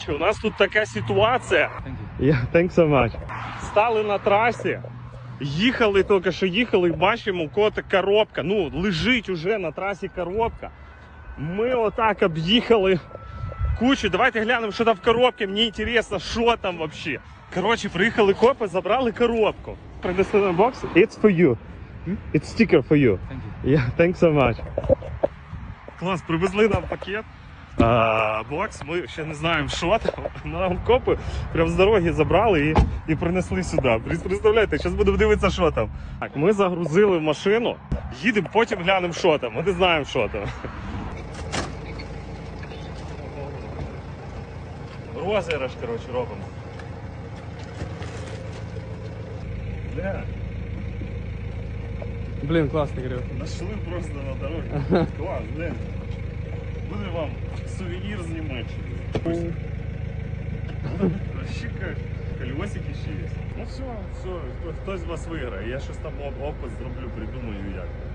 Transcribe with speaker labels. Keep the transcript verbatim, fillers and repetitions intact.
Speaker 1: У нас тут така ситуація. Yeah, thanks so much. Стали на трасі, їхали, тільки що їхали, і бачимо, у кого-то коробка. Ну, лежить уже на трасі коробка. Ми отак об'їхали кучу. Давайте глянемо, що там в коробці. Мені цікаво, що там взагалі. Коротше, приїхали копи, забрали коробку. Принесли на бокс. It's for you. It's sticker for you.
Speaker 2: Thank you.
Speaker 1: Yeah, thanks so much. Клас, привезли нам пакет. А, бокс, ми ще не знаємо, що там. Нам копи прям з дороги забрали і, і принесли сюди. Представляєте, зараз будемо дивитися, що там. Так, ми загрузили в машину, їдемо, потім глянемо, що там. Ми не знаємо, що там. Розіграш, коротше, робимо. Бля.
Speaker 2: Блин, классный гриб.
Speaker 1: Нашли просто на дороге. Клас, блин. Буде вам сувенір з Німеччини. Вообще как колесики ще є. Ну все, все, хтось з вас виграє. Я щось там опис зроблю, придумаю як.